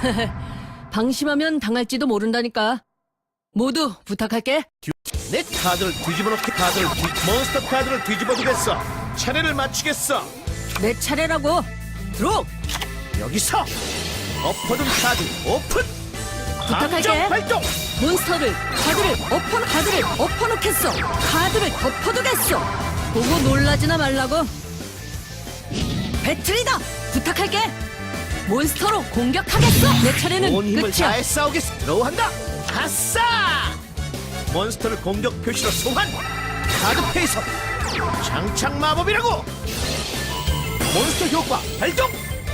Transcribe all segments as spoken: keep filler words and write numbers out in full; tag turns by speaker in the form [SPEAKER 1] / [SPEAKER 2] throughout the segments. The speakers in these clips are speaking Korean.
[SPEAKER 1] 방심하면 당할지도 모른다니까. 모두 부탁할게.
[SPEAKER 2] 내 카드를 뒤집어 놓기 카드를 뒤, 몬스터 카드를 뒤집어 두겠어. 차례를 맞추겠어.
[SPEAKER 1] 내 차례라고. 들어.
[SPEAKER 2] 여기서 엎어둔 카드 오픈.
[SPEAKER 1] 부탁할게.
[SPEAKER 2] 감정 발동.
[SPEAKER 1] 몬스터를 카드를 엎어 카드를 엎어놓겠어. 카드를 덮어두겠어. 보고 놀라지나 말라고. 배틀이다. 부탁할게. 몬스터로 공격하겠어. 내 차례는
[SPEAKER 2] 온 힘을
[SPEAKER 1] 끝이야.
[SPEAKER 2] 다해 싸우겠어. 들어한다. 아싸! 몬스터를 공격 표시로 소환. 카드 페이서. 장착 마법이라고. 몬스터 효과 발동.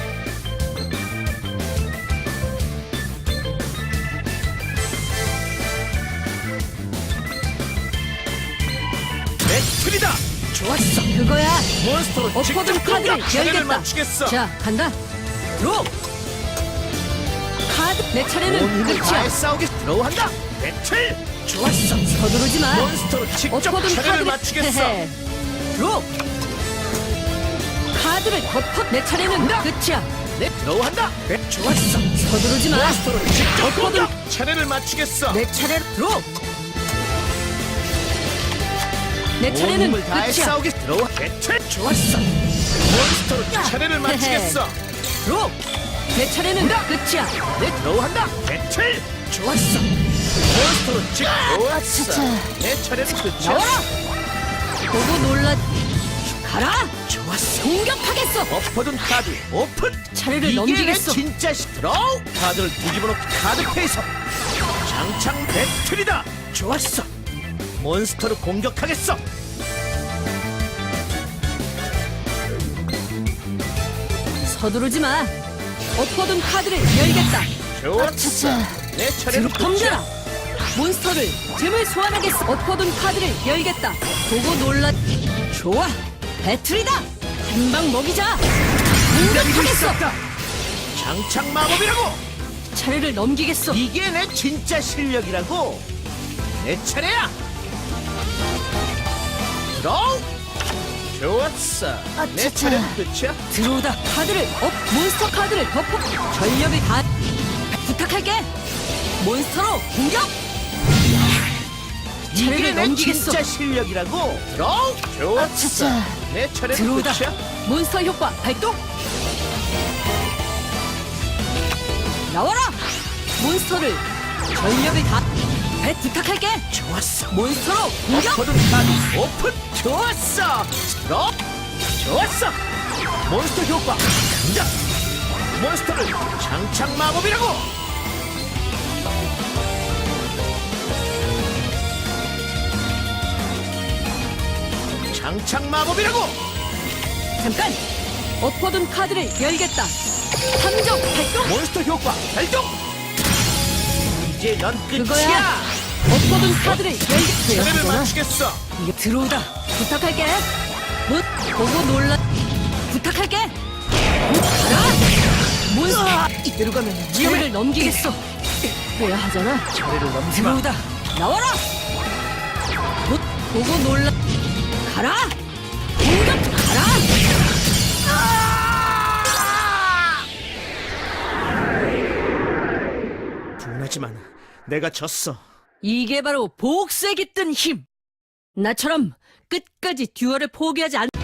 [SPEAKER 2] 배틀이다.
[SPEAKER 1] 좋았어. 그거야.
[SPEAKER 2] 몬스터로
[SPEAKER 1] 엎어둔
[SPEAKER 2] 직접
[SPEAKER 1] 카드를
[SPEAKER 2] 공격. 차례를
[SPEAKER 1] 열겠다.
[SPEAKER 2] 맞추겠어.
[SPEAKER 1] 자, 간다. 로. 카드. 내
[SPEAKER 2] 온
[SPEAKER 1] 차례는
[SPEAKER 2] 힘을
[SPEAKER 1] 끝이야.
[SPEAKER 2] 다해 싸우겠어. 들어한다. 배틀.
[SPEAKER 1] 좋았어. 서두르지 마.
[SPEAKER 2] 몬스터로 직접
[SPEAKER 1] 엎어둔
[SPEAKER 2] 차례를
[SPEAKER 1] 카드를
[SPEAKER 2] 맞추겠어.
[SPEAKER 1] 헤헤. 로. 카드를 덮어. 내 차례는 끝이야.
[SPEAKER 2] 네, 들어한다. 배
[SPEAKER 1] 좋았어. 서두르지 마.
[SPEAKER 2] 몬스터로 직접
[SPEAKER 1] 엎어둔
[SPEAKER 2] 공격. 차례를 맞추겠어.
[SPEAKER 1] 내 차례. 로. 내
[SPEAKER 2] 온
[SPEAKER 1] 차례는
[SPEAKER 2] 힘을 다해
[SPEAKER 1] 끝이야.
[SPEAKER 2] 싸우겠어. 들어와. 배틀.
[SPEAKER 1] 좋았어.
[SPEAKER 2] 몬스터로 차례를 맞추겠어.
[SPEAKER 1] 로. 내 차례는 끝이야.
[SPEAKER 2] 네, 들어한다. 배틀.
[SPEAKER 1] 좋았어.
[SPEAKER 2] 몬스터로 직접. 좋았어.
[SPEAKER 1] 차차.
[SPEAKER 2] 내 차례는 끝이야.
[SPEAKER 1] 나와라. 보고 놀라. 가라.
[SPEAKER 2] 좋았어.
[SPEAKER 1] 공격하겠어.
[SPEAKER 2] 엎어둔 카드 오픈.
[SPEAKER 1] 차례를
[SPEAKER 2] 이게
[SPEAKER 1] 넘기겠어.
[SPEAKER 2] 내 진짜 시 드로우. 카드를 뒤집어 놓고 카드 페이서. 장창 배틀이다. 좋았어. 몬스터를 공격하겠어.
[SPEAKER 1] 서두르지 마. 엎어둔 카드를 열겠다.
[SPEAKER 2] 좋았어.
[SPEAKER 1] 차차.
[SPEAKER 2] 내 차례는
[SPEAKER 1] 덤벼라.
[SPEAKER 2] 끝이야.
[SPEAKER 1] 몬스터를 잼을 소환하겠어. 엎어둔 카드를 열겠다. 보고 놀라. 좋아. 배틀이다. 한 방 먹이자.
[SPEAKER 2] 기다리고
[SPEAKER 1] 공격하겠어.
[SPEAKER 2] 있었다. 장창 마법이라고.
[SPEAKER 1] 차례를 넘기겠어.
[SPEAKER 2] 이게 내 진짜 실력이라고. 내 차례야. 드로우. 좋았어. 내
[SPEAKER 1] 차차.
[SPEAKER 2] 차례는 끝이야.
[SPEAKER 1] 들어오다. 카드를 업. 몬스터 카드를 덮어. 전력을 다. 부탁할게. 몬스터로 공격.
[SPEAKER 2] 이게
[SPEAKER 1] 차례를
[SPEAKER 2] 내
[SPEAKER 1] 넘기겠어.
[SPEAKER 2] 진짜 실력이라고. 드로우. 좋았어.
[SPEAKER 1] 차차.
[SPEAKER 2] 내 차례는
[SPEAKER 1] 들어오다.
[SPEAKER 2] 끝이야.
[SPEAKER 1] 몬스터 효과 발동. 나와라. 몬스터를 전력을 다. 배 부탁할게.
[SPEAKER 2] 좋았어.
[SPEAKER 1] 몬스터로 공격.
[SPEAKER 2] 엎어둔 카드 오픈. 좋았어. 드로우. 좋았어. 몬스터 효과 등장. 몬스터를 장착 마법이라고. 장착 마법이라고.
[SPEAKER 1] 잠깐. 엎어둔 카드를 열겠다. 함정 발동.
[SPEAKER 2] 몬스터 효과 발동. 이제 넌 끝이야.
[SPEAKER 1] 그거야. 엎어둔 카드를 열겠다.
[SPEAKER 2] 차례를 맞추겠어.
[SPEAKER 1] 이게 들어오다. 부탁할게. 못 보고 놀라. 부탁할게. 가라. 몬스터.
[SPEAKER 2] 이대로 가면
[SPEAKER 1] 차례를 넘기겠어. 해야 하잖아.
[SPEAKER 2] 차례를 넘지 마.
[SPEAKER 1] 들어오다. 나와라. 못 보고 놀라. 가라. 공격. 가라.
[SPEAKER 2] 분하지만 내가 졌어.
[SPEAKER 1] 이게 바로 복수에 깃든 힘. 나처럼 끝까지 듀얼을 포기하지 않.